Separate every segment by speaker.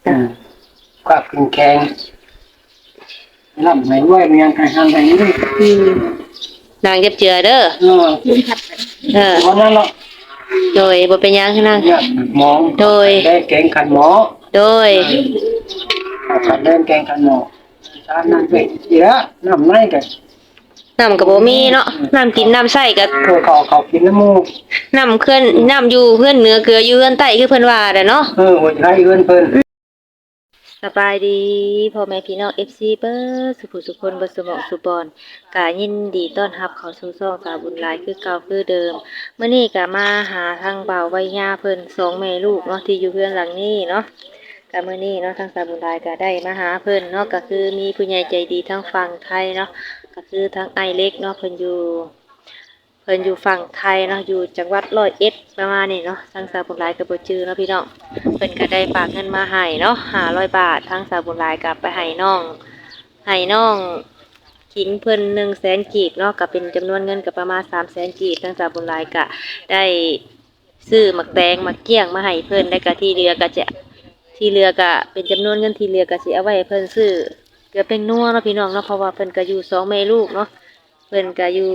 Speaker 1: ก็กินแข็งลำไหนด้วยเมียงไก่ทางไหนนี่
Speaker 2: นางเจ็บเจือเด้อ
Speaker 1: วันนั้นเนาะ
Speaker 2: โดยบ่เป็นยังนาง
Speaker 1: หมอ
Speaker 2: โดย
Speaker 1: ได้แกงขันหมอ
Speaker 2: โดย
Speaker 1: ขันเดินแกงขันหมอชานั่นเป็ดเยอะน้ำไหนกัน
Speaker 2: น้ำกับบ่มีเนาะน้ำกินน้ำใส่กับ
Speaker 1: เขากินน้ำมู
Speaker 2: น้ำเคลื่อนน้ำอยู่เพื่อนเหนือเกลืออยู่เพื่อนใต้คือเพิ่นว่าเนาะ
Speaker 1: หัวใจเพื่อน
Speaker 2: สบายดีพ่อแม่พี่น้อง FC เบิร์สุขุสุคนบ่สมองสุบอนกายินดีต้อนรับเข้าสู่ช่องสาวบุญหลายคือเก่าคือเดิมมื้อนี้ก็มาหาทางบ่าวไว้ย่าเพิ่น2แม่ลูกเนาะที่อยู่เพื่อนหลังนี้เนาะก็มื้อนี้เนาะทางสาวบุญหลายก็ได้มาหาเพิ่นเนาะก็คือมีผู้ใหญ่ใจดีทั้งฝั่งไทยเนาะก็คือทางไอเล็กเนาะเพิ่นอยู่ฝั่งไทยเนาะอยู่จังหวัดร้อยเอ็ดประมาณนี้เนาะทางสาวบุญหลายก็บ่จื้อเนาะพี่น้องเพิ่นก็ได้ฝากเงินมาให้เนาะ500 บาททางสาวบุญหลายก็ไปให้น้องขิงเพิ่น100,000กีบเนาะก็เป็นจำนวนเงินก็ประมาณ300,000กีบทางสาวบุญหลายก็ได้ซื้อหมักแตงหมักเกี้ยงมาให้เพิ่นแล้วก็ที่เหลือก็เป็นจำนวนเงินที่เหลือก็สิเอาไว้ให้เพิ่นซื้อเกลือเป็นนัวเนาะพี่น้องเนาะเพราะว่าเพิ่นก็อยู่2แม่ลูกเนาะเพิ่นก็อยู่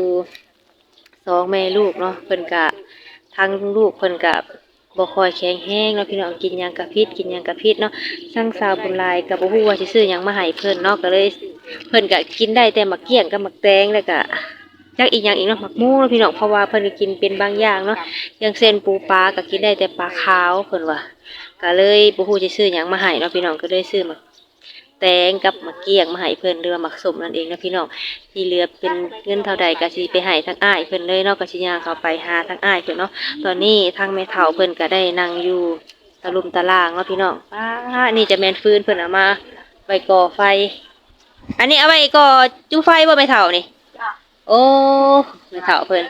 Speaker 2: 2แม่ลูกเนาะเพิ่นก็ทั้งลูกเพิ่นก็บ่ค่อยแข็งแรงเนาะพี่น้องกินหยังก็พิษเนาะทั้งสาวบุญหลายก็บ่ฮู้ว่าสิซื้อหยังมาให้เพิ่นเนาะก็เลยเพิ่นก็กินได้แต่หมักเกี้ยงกับหมักแตงแล้วก็จักอีกอย่างอีกเนาะหมักหมูเนาะพี่น้องเพราะว่าเพิ่นก็กินเป็นบางอย่างเนาะอย่างเช่นปูปลาก็กินได้แต่ปลาขาวเพิ่นว่าก็เลยบ่ฮู้สิซื้อหยังมาให้เนาะพี่น้องก็เลยซื้อหมักแตงกับหมักเกี้ยงมาให้เพิ่นหรือว่าหมักสมนั่นเองนะพี่น้องที่เหลือเป็นเงินเท่าใดก็สิไปให้ทั้งอ้ายเพิ่นเลยเนาะก็สิย่างเข้าไปหาทั้งอ้ายเพิ่นเนาะตอนนี้ทางแม่เฒ่าเพิ่นก็ได้นั่งอยู่ตะลุมตะล่างเนาะพี่น้องนี่จะแม่นฟืนเพิ่นเอามาไว้ก่อไฟอันนี้เอาไว้ก่อจุไฟบ่แม่เฒ่านี่โอ้แม่เฒ่าเพิ่น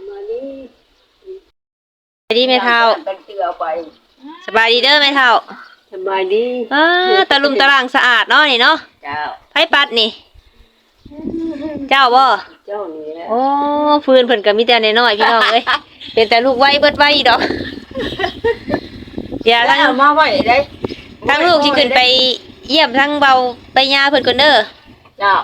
Speaker 2: สวัสดีแม่เฒ่าสบายดีเด้อแม่เฒ่า
Speaker 3: สบายดี
Speaker 2: ตะลุมตะล่างสะอาดเนาะนี่เนาะ
Speaker 3: เจ้า
Speaker 2: ไผปัดนี่เจ้าบ่
Speaker 3: เจ้านี่แหละ
Speaker 2: โอ้ฟืนเพิ่นก็มีแต่น้อยๆพี่น้องเอ้ยเป็นแต่ลูกไว้เบิดไว้ดอกเดี๋ยวทั้ง
Speaker 3: มาไว้ได้
Speaker 2: ทั้งลูกสิขึ้นไปเยี่ยมทั้งเบาไปย่าเพิ่นก่อนเด้อ
Speaker 3: เจ้า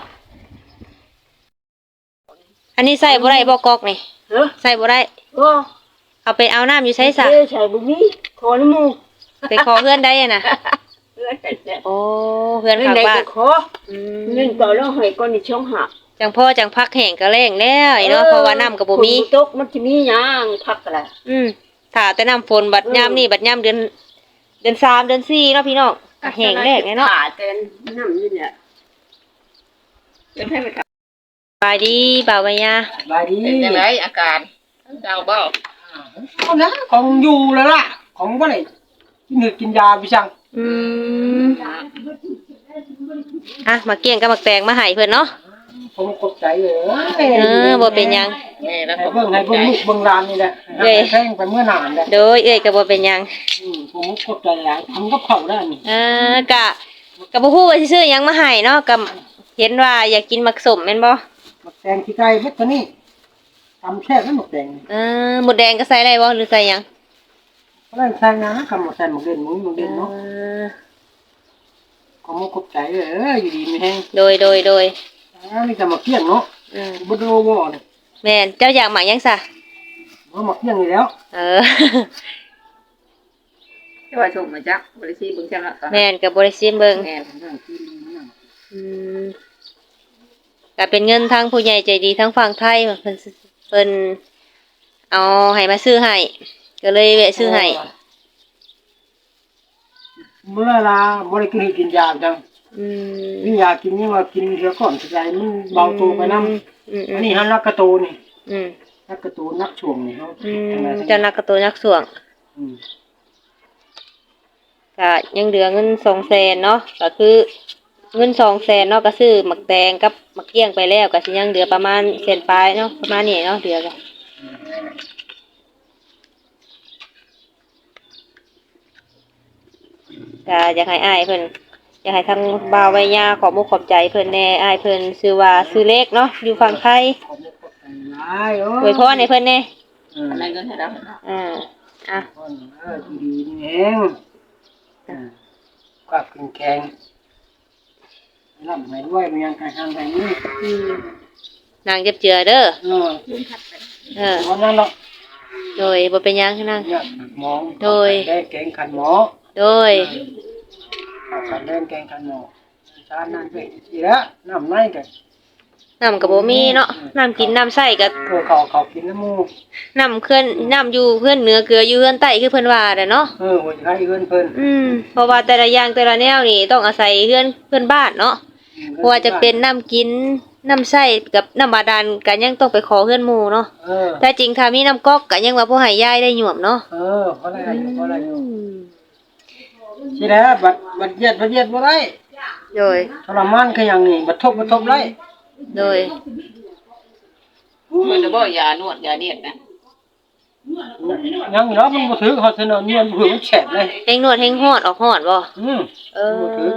Speaker 2: อันนี้ใส่บ่ได้บ่กอกนี่ใส่บ่ได้เอาไปเอาน้ำอยู่ใช้ซะ
Speaker 3: ใส่บ่มีขอน้ำมูก
Speaker 2: ไปขอเพื่อนได้น่ะโอ้เพื่อนข้างบ้าน
Speaker 3: ขอเงินต่อแล้วให้ก่อนนี่ช่องหัก
Speaker 2: จังพ่อจังพักแห้งก็แรงแล้วเนาะเพราะว่าน้ำก็บ่มี
Speaker 3: ตกมันสิมีหยังพักก็ได้
Speaker 2: ถ้าแต่น้ำฝนบัดยามนี่บัดยามเดือน3เดือน4เนาะพี่น้องก็แห้งแล้งเนาะ
Speaker 3: ขาเต็มน้ำนี่แหละเป็นให้ไปท
Speaker 2: ำบายดีบ่าวใบยา
Speaker 1: บายดี
Speaker 3: เป็นจังไดอาการเจ้าบ่
Speaker 1: เอานะของอยู่แล้วล่ะของบ่ได้กินยาพี่ช่าง
Speaker 2: มาเกี่ยงกับมักแตงมาให้เพิ่นเนาะ
Speaker 1: ผมกดใจเลย
Speaker 2: บ่เป็นหยัง
Speaker 1: ให้เบิ่งลูกเบิ่งหลานนี่แหละแข่งไปเมื่อนานแล้ว
Speaker 2: โดยก็บ่เป็นหยัง
Speaker 1: ผมกดใจหลายทำกับเขาได้นี่
Speaker 2: กะบ่ฮู้ว่าสิซื้อหยังมาให้เนาะก็เห็นว่าอยากกินมักสมแม่นบ่
Speaker 1: มักแตงขี้ไก่เฮ็ดตัวนี้ทำแช่แล้วมักแตง
Speaker 2: หมดแดงก็ใส่ได้บ่หรือใส่หยัง
Speaker 1: ก็ได้ใส่นะคำว่าใส่หมกเด่นเนาะก็มุกกดใจอยู่ดีมีแห้ง
Speaker 2: โดย
Speaker 1: มีแต่หมักเกี้ยงเนาะบ่โดบ่นี่
Speaker 2: แม่นเจ้าอยากหมักหยังซะ
Speaker 1: บ่หมักเกี้ยงนี่แล้ว
Speaker 3: แต่ว่าส่งมาจักบ่ได้สิเบิ่งจังละ
Speaker 2: แม่นก็บ่ได้ซิมเบิ่งก็เป็นเงินทางผู้ใหญ่ใจดีทั้งฝั่งไทยเพิ่นเอาให้มาซื้อให้ก็เลยแวะซื้อให้
Speaker 1: เมื่อลาบ่ได้กินยาจังมียากินยังว่ากินเดี๋ยวก่อนสิใจมันเบาตัวไปนำอันนี้หันนักกระโตนี่นักกระโตนักช่วงนี่เฮา
Speaker 2: เจ้านักกระโตนักช่วงก็ยังเหลือเงิน200,000เนาะก็คือเงิน200,000เนาะก็ซื้อหมักแตงกับหมักเกี้ยงไปแล้วก็สิยังเหลือประมาณ100,000ปลายเนาะประมาณนี้เนาะเหลือก็อยากให้อ้ายเพิ่นอยากให้ทางบ่าวไว้ย่าขอมุกขอบใจเพิ่นแน่อ้ายเพิ่นชื่อว่าชื่อเล็กเนาะอยู่ฝั่งไทยอวยพรให้เพิ่นแน่
Speaker 3: อะไรก็ให้เรา
Speaker 1: ดีนี่เองก็กินแกงลำให้ด้วยมันยังกระทางแบบนี้
Speaker 2: นางเจ็บเจือเด้อ
Speaker 1: วันนั้นเนาะ
Speaker 2: โดยบ่เป็นหยังนาง
Speaker 1: เนี่ยหมอ
Speaker 2: โดย
Speaker 1: ได้แกงขันหมอ
Speaker 2: โดย
Speaker 1: ขันเล่นแกงขันหมอชานั่นไปทีละน้ำไหนกัน
Speaker 2: น้ำก็บ่มีเนาะน้ำกินน้ำใส่ก็
Speaker 1: ตัวเขากินน้ำมู
Speaker 2: น้ำเคลื่อนน้ำอยู่เพื่อนเหนือเกลืออยู่เพื่อนใต้คือเพิ่นว่าแหละเนาะ
Speaker 1: หัวใจเอื้อนเพิ่น
Speaker 2: เพราะว่าแต่ละอย่างแต่ละแนวนี่ต้องอาศัยเพื่อนบ้านเนาะเพราะว่าจะเป็นน้ำกินน้ำใส่กับน้ำบาดาลก็ยังต้องไปขอเพื่อนหมู่เนาะแต่จริงถ้ามีน้ำก๊อกก็ยังว่าผู้ให้ยายได้หยวมเนาะ
Speaker 1: เพราะอะไรอยู่ทีแล้วบัดเย็ดบ่ได้
Speaker 2: โดย
Speaker 1: ทรมานคืออย่างนี้บัดทบไร
Speaker 2: โดย
Speaker 3: มันจะบ่ยานวดยาเนียดนะ
Speaker 1: ยังเนาะมันบ่ถือเขาเสนอเงินมันแฉบเลย
Speaker 2: เฮงนวดเฮงฮอดออกฮอดบ่
Speaker 1: บ่ถือ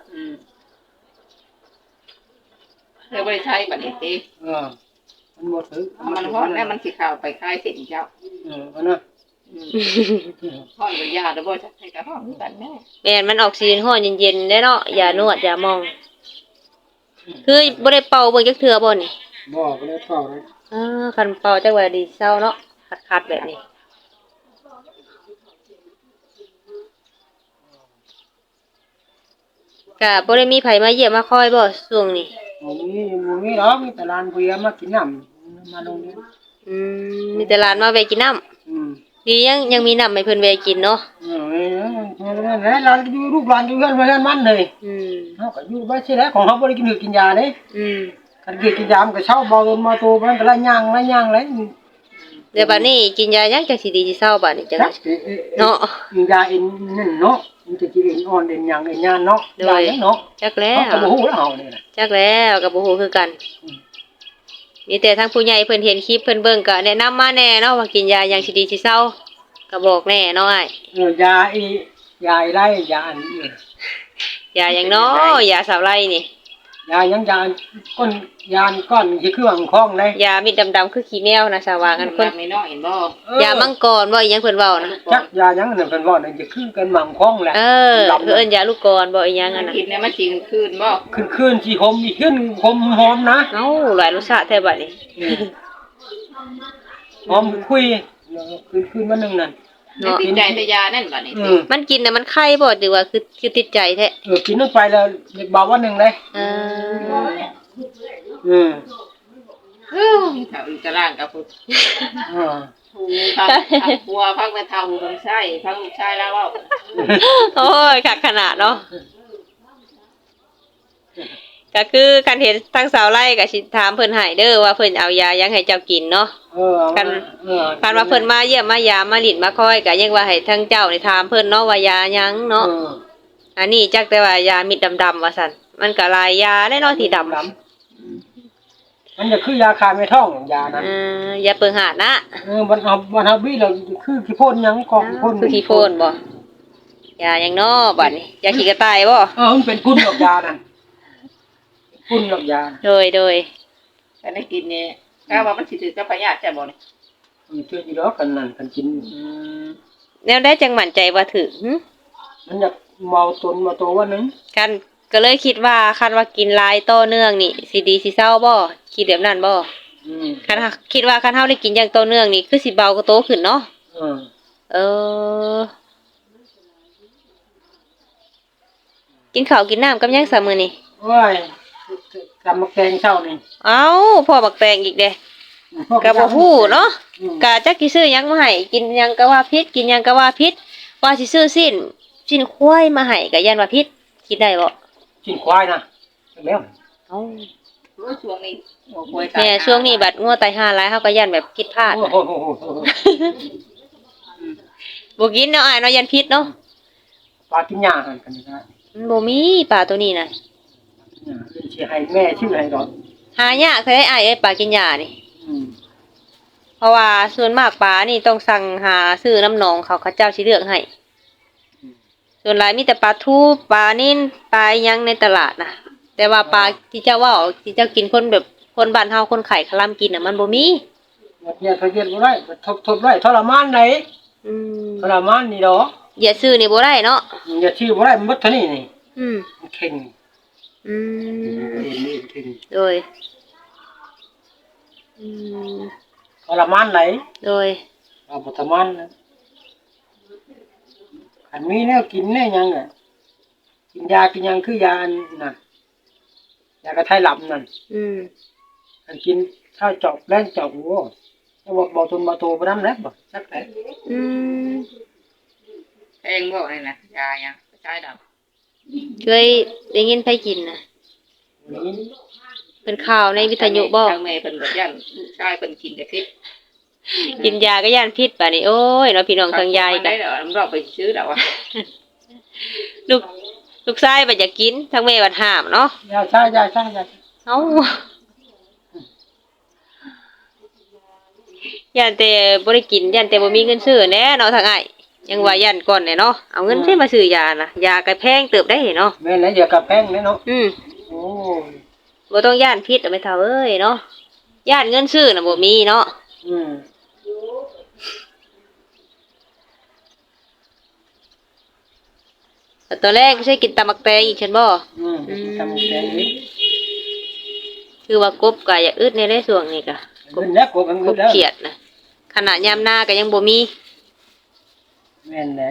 Speaker 3: เธอบ่ได้ใช้บัดนี้ติ
Speaker 1: มันบ่ถือ
Speaker 3: มันฮ้อนแล้วมันสิเข้าไปคลายเส้นเจ้า
Speaker 1: อันน่ะ
Speaker 3: ฮ้อนกับยาแล้วบ่จะให้กับฮ้อนคือกันแม่
Speaker 2: แม่นมันออกซีนฮอดเย็นๆได้เนาะอย่านวดอย่ามอง คือบ่ได้เป่าเบิ่งจักเทื่อบ่นี่
Speaker 1: บ่ได้เป่าเลย
Speaker 2: คันเป่าจักว่าดีเศร้าเนาะคัดๆแบบนี้ก็บ่ได้มีไผมาเยี่ยมมาคอยบ่ช่วงนี้
Speaker 1: บ่มีหรอกมีแต่ร้านเบียร์มากินน้ำมาลงนี้
Speaker 2: มีแต่ร้านมาแวะกินน้ำดียังมีน้ำให้เพิ่นแวะกินเนาะ
Speaker 1: ร้านอยู่ลูกร้านอยู่เฮือนมันเลยเฮาก็อยู่บ่ใช่แล้วของเฮาบ่ได้กินยาเด้คันกินยามันก็เช้าเบามาโตมันก็ละย่างเลย
Speaker 2: เดี๋ยวบัดนี้กินยายังจังสิดีสิเศร้าบัดนี้จังเนาะ
Speaker 1: ยาเอ็นนั่นเนาะมันจะกินเอ็นอ่อนเอ็นหยังเอ็นยานเนาะยาเนาะ
Speaker 2: จักแล้ว
Speaker 1: ก็บ่ฮู้แล้วเฮานี่น่ะ
Speaker 2: จักแล้วก็บ่ฮู้คือกันมีแต่ทางผู้ใหญ่เพิ่นเห็นคลิปเพิ่นเบิ่งก็แนะนำมาแน่เนาะว่ากินยายังสิดีสิเศร้าก็บอกแน่เนาะอ้าย
Speaker 1: ยาอียาไรยาอันนี้
Speaker 2: ยาหยังเนาะยาสาวไร่นี่
Speaker 1: ยายังยาก้นยานก้อนสิคือว่าคล้องเลย
Speaker 2: ยามิดดำๆคือขี้แมวนะสาวากันคน
Speaker 3: ไม่น้อยเห็นบ่
Speaker 2: ยามังกรบ่อีหยังเพิ่นเว้านะ
Speaker 1: จักยายังนั่นเพิ่นว่านั่นจะคือกันหม่ำคล้องแหละ
Speaker 2: คือเอิ้นยาลูกกรบ่อีหยังอันน่ะ
Speaker 3: กินเนี่ยมันสิคืนบ่
Speaker 1: ขึ้นสิหอมอีกขึ้นหอมนะ
Speaker 2: เอ้าหลายรสชาติแท้บัดนี้
Speaker 1: หอมคุยขึ้นมานึงนั่น
Speaker 3: ติดใจแต่ยานั่นบัดนี้
Speaker 2: มันกินน่ะมันไข้บ่หรือว่าคือติดใจแท้
Speaker 1: กินนึงไปแล้วเด็กเบาวันนึงเลย
Speaker 3: ถ้าอีกตารางกับผู้
Speaker 1: อ่า
Speaker 3: ผัวพักแม่เฒ่าผู้ชายพักลูกชายแล้วเว้า
Speaker 2: โอ้ยคักขนาดเนาะก็คือการเห็นทางสาวไร่ก็สิถามเพิ่นให้เด้อว่าเพิ่นเอายายังให้เจ้ากินเนาะคันว่าเพิ่นมาเยี่ยมมายามมาลิ้นมาคอยก็ยังว่าให้ทางเจ้านี่ถามเพิ่นเนาะว่ายายังเนาะอันนี้จักแต่ว่ายามิดดำๆว่าซั่นมันก็หลายยาได้เนาะที่ดำ
Speaker 1: มันจะคือยาคายไม่ท้องยานั้น
Speaker 2: ยาเปิงหาดนะ
Speaker 1: มันเอาบี้เราคือขี้พ่นยังกองพ่น
Speaker 2: คือขี้โพนบ่ยาหยังน้อบัดนี้ยาขี้กระต่ายบ่
Speaker 1: มันเป็นกุนดอกยานั่นกุนดอกยา
Speaker 2: โดย
Speaker 3: ถ้าได้กินเนี่ยก็ว่ามันสิถือกับพยาธิใช่บ่นี่
Speaker 1: เชื่ออยู่แล้วกันนั่นกันกิน
Speaker 2: แนวได้จังมั่นใจว่าถึง
Speaker 1: มันอยากเมาตนมาตัววันนึง
Speaker 2: กันก็เลยคิดว่าคันว่ากินหลายต่อเนื่องนี่สิดีสิเศร้าบ่คิดแบบนั้นบ่คันคิดว่าคันเฮาได้กินอย่างต่อเนื่องนี่คือสิเบาก็โตขึ้นเนาะกินข้าวกินน้ำกับหยังซะมื้อนี้
Speaker 1: โอ้ยกำมะแกงเช้านี่
Speaker 2: เอ้าพ่อบักแตงอีกเด้ก็บ่ฮู้เนาะก็จักสิซื้อหยังมาให้กินหยังก็ว่าผิดกินหยังก็ว่าผิดว่าสิซื้อสิ้นควายมาให้ก็ยันว่าผิดคิดได้บ่
Speaker 1: กินควายนะแล้ว
Speaker 2: เอ้า
Speaker 3: ช่วงนี้หัวป่วย
Speaker 2: แม่ช่วงนี้บัดงัวตายห่าหลายเฮาก็ยันแบบผิดพลาด
Speaker 1: โอ้โห
Speaker 2: บ่กินเนาะอ้ายเนาะยันผิดเนาะ
Speaker 1: ปลากินหญ้าหันกันนะ
Speaker 2: มันบ่มีปลาตัวนี้น่ะ
Speaker 1: สิให้แม่ชื่อให้ดอก
Speaker 2: หายากแท้อ้ายเอ้ยปลากินหญ้านี่เพราะว่าส่วนมากปลานี่ต้องสั่งหาซื้อน้ำหนองเขาเจ้าสิเลือกให้ส่วนหลายมีแต่ปลาทูปลานิ่นปลาหยังในตลาดน่ะแต่ว่าปลาที่เจ้าว่าที่เจ้ากินคนแบบคนบ้านเฮาคนไข่คลำกินน่ะมันบ่มี
Speaker 1: เนี่ยทะเบียนบ่ได้ทบได้ทรมานไหนทรมานนี่ดอก
Speaker 2: อย่าซื้อนี่บ่ได้เนาะ
Speaker 1: อย่าชื่อบ่ได้มันหมดเท่านี้นี่
Speaker 2: อืม
Speaker 1: มันเข่ง
Speaker 2: อืม
Speaker 1: เห็นนี่เข่ง
Speaker 2: โดยอืม
Speaker 1: ทรมานไหน
Speaker 2: โดย
Speaker 1: เอาบ่ทรมานนะอันมีแนวกินแน่ยังอ่ะกินยากินยังคือยาอันน่ะยากระไทยหลับนั่น
Speaker 2: อืม
Speaker 1: อันกินข้าวจอกแรงจอกหัวแล้วบ่ทนบ่โตบ่นำแล้วบ่จักแต่
Speaker 2: อืม
Speaker 3: แพงบ่นี่นะยายังใช้ดอก
Speaker 2: เคยได้ยินไผกินน่ะ
Speaker 1: นี่
Speaker 2: เป็นข่าวในวิทยุบ่
Speaker 3: ทางแม่เพิ่นก็ย่านลูกชายเพิ่นกินแต่พิษ
Speaker 2: กินยาก็ย่านพิษป่ะนี่โอ้ยเนาะพี่น้องทางยาย
Speaker 3: ได้
Speaker 2: กัน
Speaker 3: ดอกเราไปซื้อดอกว่า
Speaker 2: ลูกลูกชายบ่อยากกินทางแม่บัดห้ามเนาะ
Speaker 1: ยาซ่ายาซ่ายา
Speaker 2: เอ้าย่านแต่บ่ได้กินย่านแต่บ่มีเงินซื้อแหน่เนาะทางอ้ายยังว่าย่านก่อนแหน่เนาะเอาเงินที่มาซื้อยาน่ะยาก็แพงเติบได้เนาะ
Speaker 1: แม่นแล้วอย่ากระแพงเลยเนาะ
Speaker 2: อืม
Speaker 1: โอ้
Speaker 2: บ่ต้องย่านพิษเอาไปเท่าเอ้ยเนาะย่านเงินซื้อน่ะบ่มีเนาะ
Speaker 1: อืม
Speaker 2: แต่ตอนแรกใช่กินตำบักแตงอีกฉันบ่
Speaker 1: ทำแกงนี้
Speaker 2: คือว่ากบก็อยากอึดในได้ส่วงนี้ก็
Speaker 1: เงินแล้วกบ
Speaker 2: ก
Speaker 1: เงิน
Speaker 2: บ
Speaker 1: แล้ว
Speaker 2: เขียดน่ะขณะยามหน้าก็ยังบ่มี
Speaker 1: แม่นแหละ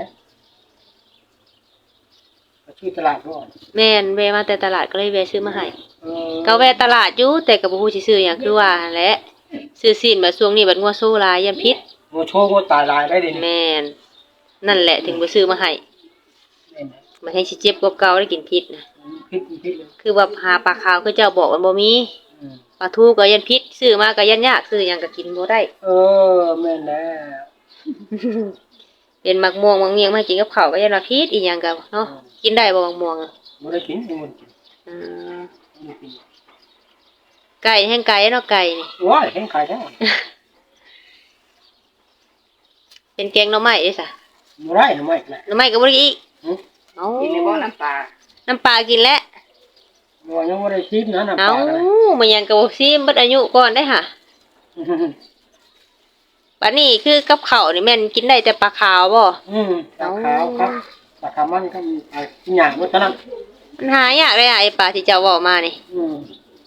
Speaker 1: ก็ชื่อตลาดก่อน
Speaker 2: แม่นแวะมาแต่ตลาดก็เลยแวะซื้อมาให้
Speaker 1: เออ
Speaker 2: ก็แวะตลาดอยู่แต่ก็บ่ฮู้สิซื้อหยังคือว่าหั่นแหละซื้อซีนบัดช่วงนี้บัดงัวโซหลายยามพิษ
Speaker 1: โมโชว์โมตายลายได้ดิ
Speaker 2: แม่นนั่นแหละถึงบ่ซื้อมาให้
Speaker 1: แม่นแหละ
Speaker 2: มันให้สิเจ็บกว่าเก่าได้กินพิษน่ะ
Speaker 1: พิษเลย
Speaker 2: คือว่าหาปลาขาวคือเจ้าบอกว่าบ่มี
Speaker 1: อืม
Speaker 2: ปลาทูก็ยันพิษซื้อมาก็ยันยากซื้อหยังก็กินบ่ได้
Speaker 1: เออแม่นแล้ว
Speaker 2: เป็นมักม่วงมักเมียงมากินกับข้าวก็ยันว่าพิษอีหยังก็เนาะกินได้บ่มักม่วงอะ
Speaker 1: บ่ได้กินยังบ่ได้กิน
Speaker 2: อืม
Speaker 1: บ่ได้กิน
Speaker 2: ไก่แห้งไก่เนาะไก่นี่
Speaker 1: ว้ายแข็งขายแท้
Speaker 2: เป็นแกงหน่อไม้เด้ซะ
Speaker 1: บ่ได้หรือไม่แหละ
Speaker 2: หน่อไม้ก็บ่ได้อีก
Speaker 1: หึ
Speaker 2: เอ้า
Speaker 3: กินในบ่อน้ำปลา
Speaker 2: น้ำปลากินแล้ว
Speaker 1: บ่ยังบ่ได้ชิมนะน้ำป
Speaker 2: เอ้า
Speaker 1: ลากัน
Speaker 2: มันยังก็บ่ซิมเบิดอายุก่อนได้ค่ะบัดนี้คือกับข้าวนี่แม่นกินได้แต่ปลาขาวบ่
Speaker 1: ปลาขาวครับปลาขาวมันก็มีปลาหยังหมดเท่านั้น
Speaker 2: มันหายากเลยอะไอ้ปลาที่เจ้าเว้ามานี่
Speaker 1: อืม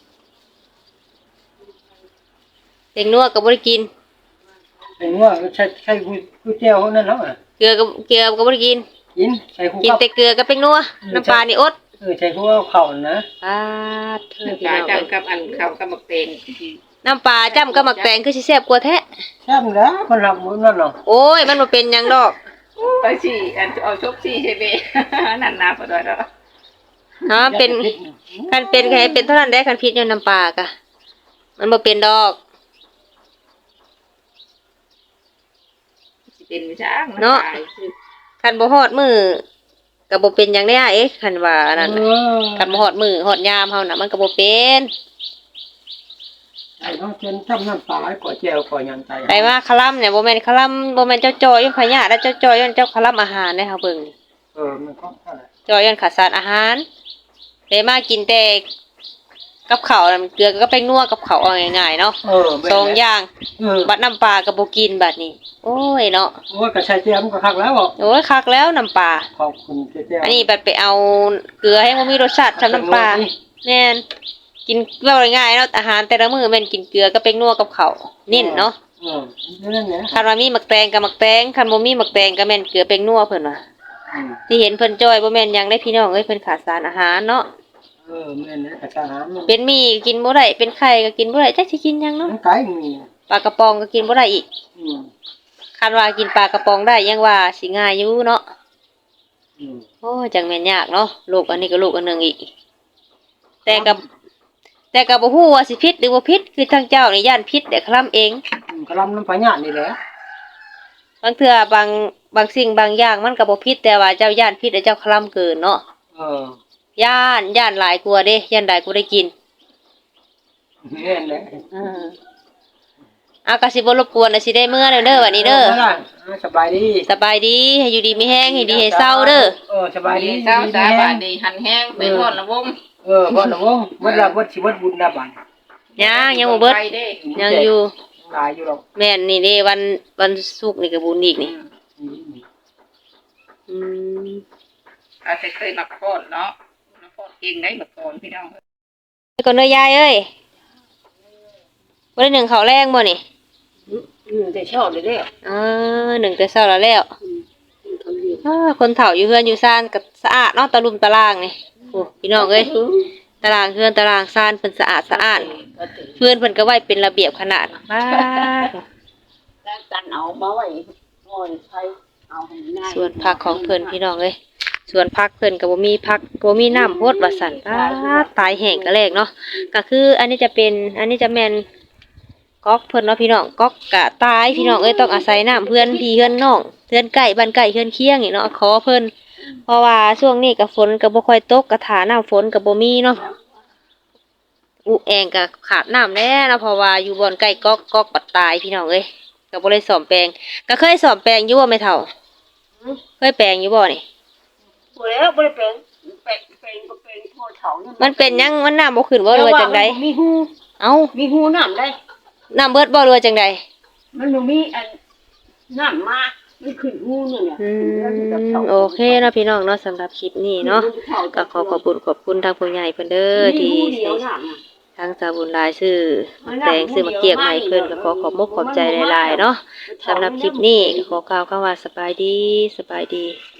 Speaker 2: เด็กนัวก็บ่ได้กิน
Speaker 1: เป็นว่าใช้กูแจ้วเขานั่นแล้วอ่ะ
Speaker 2: เกลือก็บ่ได้กิน
Speaker 1: กินใส่คู่
Speaker 2: กิน
Speaker 1: กับ
Speaker 2: แต่เกลือกับเป็นนัวน้ำปลานี่อด
Speaker 1: ใส่คู่กับข้าวนะ
Speaker 2: ปาดเถิดพี่
Speaker 3: ปลา
Speaker 2: น้อง
Speaker 3: จำกับอันข้าวกับบักเตง
Speaker 2: น้ำปลาจ้ำกับหมักแตงคือสิแซ่บกว่าแท้
Speaker 1: แซ่บแล้วมันรับมื้อนั่นเนาะ
Speaker 2: โอ้ยมันบ่เป็นหยังดอก
Speaker 3: ไปสิอันเอาชกสิใช่ไหมนั่นนาพอดอยแล้ว
Speaker 2: เป็นคันเป็นใครเป็นเท่านั้นได้คันพิษอยู่น้ำปลากะมันบ่เป็นดอก
Speaker 3: เป็นวิชาเนาะ
Speaker 2: คันบ่ฮอดมือก็บ่เป็นหยังได้อะเอ๊ะคันว่าอันนั้นน่ะคันบ่ฮอดมือฮอดยามเฮาน่ะมันก็บ่เป็น
Speaker 1: ไอ้น้องเจนทำน้ำปลาให้ก่อแจ้วก่อหยังใจ
Speaker 2: ไปว่าคลัมเนี่ยบ่แม่นคลัมบ่แม่นเจ้าจอยอยู่พญาแล้วเจ้าจอยย้อนเจ้าคลัมอาหารเด้เฮาเบิ่ง
Speaker 1: มันก็เท่าไหร่
Speaker 2: จอยย้อนขาดสารอาหารเลยมากินแต่กับข้าวน่ะมันเกลือก็ไปนัวกับข้าวเอาง่ายๆเนาะสองอย่าง บัดน้ำปลาก็บ่กินบัดนี้โอ้ยเนาะ
Speaker 1: โอ้ยกระชายเจียมก็คักแล้วบอก
Speaker 2: โอ้ยคักแล้วน้ำปลา
Speaker 1: ขอบคุณเจียว
Speaker 2: อันนี้บัดไปเอาเกลือให้บ่มีรสชาติทำน้ำปลาแม่นกินว่าง่ายๆเนาะอาหารแต่ละมื้อแม่นกินเกลือก็เป็นนัวกับข้าวนิ่นเนาะ
Speaker 1: นั่นแหละ
Speaker 2: คันว่ามีหมักแตงก็หมักแตงคันบ่มีหมักแตงก็แม่นเกลือเป็นนัวเพิ่นว่าที่เห็นเพิ่นจ้อยบ่แม่นหยังได้พี่น้องเอ้ยเพิ่นขาดสารอาหารเนาะ
Speaker 1: แม่เนี่ยกระชายน้ำ
Speaker 2: เป็นหมี่ก็กินบ่ได้เป็นไข่ก็กินบ่ได้จักสิกินหยังเนาะ
Speaker 1: ไก่มี
Speaker 2: ปลากระป๋องก็กินบ่ได้อีกคันว่ากินปลากระป๋องได้ยังว่าสิง่ายอยู่เนาะโอ้จังแม่นยากเนาะลูกอันนี้ก็ลูกอันหนึงอีกแต่ก็บ่ฮู้ว่าสิผิดหรือบ่ผิดคือทางเจ้านี่ย่านผิดแต่คลำเอง
Speaker 1: กระลำน้ำปลาหยาดนี่แหละ
Speaker 2: บางเทื่อบางสิ่งบางอย่างมันก็บ่ผิดแต่ว่าเจ้าย่านผิดแต่เจ้าคลำเกินเนาะย่านหลายกลัวาเด้ย่านหลายกลัวาได้กิน
Speaker 1: แม่นแหละ
Speaker 2: อากาสิบ่รบกวนน่ะสิได้เมื่อเด้อวันนี้เด้อ
Speaker 1: สบายดี
Speaker 2: สบายดีให้อยู่ดีมีแห้งให้ดีให้เศร้าเด้อ
Speaker 1: สบายดี
Speaker 3: เช้าสาบานดีหันแห้งไปทอดละวง
Speaker 1: บ่ละวงบ่ละบ่สิบ่บุญนะบัด
Speaker 2: ยังบ่เบิดยังอยู่
Speaker 1: หลายอยู่หรอก
Speaker 2: แม่นนี่เด้วันศุกร์นี่ก็บุญอีกนี่อืม
Speaker 3: อาจจะเคยมาคลอดเนาะมาคลอดเองได้มาก่อนพี่น้อง
Speaker 2: ไปก่อนเด้อยายเอ้ยบ่ได้หนึ่งข้าวแรงบ่นี่
Speaker 3: แต่ชอบเลยเด้อ
Speaker 2: หนึ่งแต่เช้าแล้วแล้วคนเฒ่าอยู่เฮือนอยู่ซ่านก็สะอาดเนาะตะลุมตะรางนี่โอ้พี่น้องเอ้ยตารางเฮือนตารางซ่านเพิ่นสะอาดสะอ้านเพื่อนเพิ่นก็ไว้เป็นระเบียบขนาดบ้าด
Speaker 3: แล้วกันเอามาไว้โอ้ยใช้เอาให้ง่าย
Speaker 2: ส่วนผักของเพิ่นพี่น้องเอ้ยส่วนผักเพิ่นก็บ่มีผักบ่มีน้ำโพดว่าซั่นตายแห้งก็แลกเนาะก็คืออันนี้จะแม่นก๊อกเพิ่นเนาะพี่น้องก๊อกก็ตายพี่น้องเอ้ยต้องอาศัยน้ำเพื่อนพี่เพื่อนน้องเพื่อนใกล้บ้านใกล้เพื่อนเคียงนี่เนาะขอเพิ่นเพราะว่าช่วงนี้ก็ฝนก็บ่ค่อยตกก็ถาน้ำฝนก็บ่มีเนาะอุแองก็ขาดน้ำแน่นะเพราะว่าอยู่บ่อนใกล้ก๊อกปัดตายพี่น้องเอ้ยก็บ่ได้ซ่อมแปลงก็เคยซ่อมแปลงอยู่บ่แม่เฒ่าเคยแปลงอยู่บ่นี่
Speaker 3: บ่แล้วบ่ได้เป็นพ่อเฒ่านี่
Speaker 2: มันเป็นหยังมันน้ำบ่ขึ้นบ่หรือว่าจังใด
Speaker 3: มีหู
Speaker 2: เอ้า
Speaker 3: มีหูน้ำได้
Speaker 2: น้ำเบิดบ่หรือว่าจังใด
Speaker 3: มันบ่มีอันน้ำมามันขึ้นหูนี่เนี่ย
Speaker 2: โอเคเนาะพี่น้องเนาะสำหรับคลิปนี้เนาะก็ขอขอบคุณทางผู้ใหญ่เพิ่นเด้อที่
Speaker 3: เดียวน้ำน่ะ
Speaker 2: ทางสาวบุญหลายซื้อแตงซื้อมาเกียกใหม่เพิ่นก็ขอขอบมุกขอบใจหลายๆเนาะสำหรับคลิปนี้ก็ขอกล่าวคำว่าสบายดี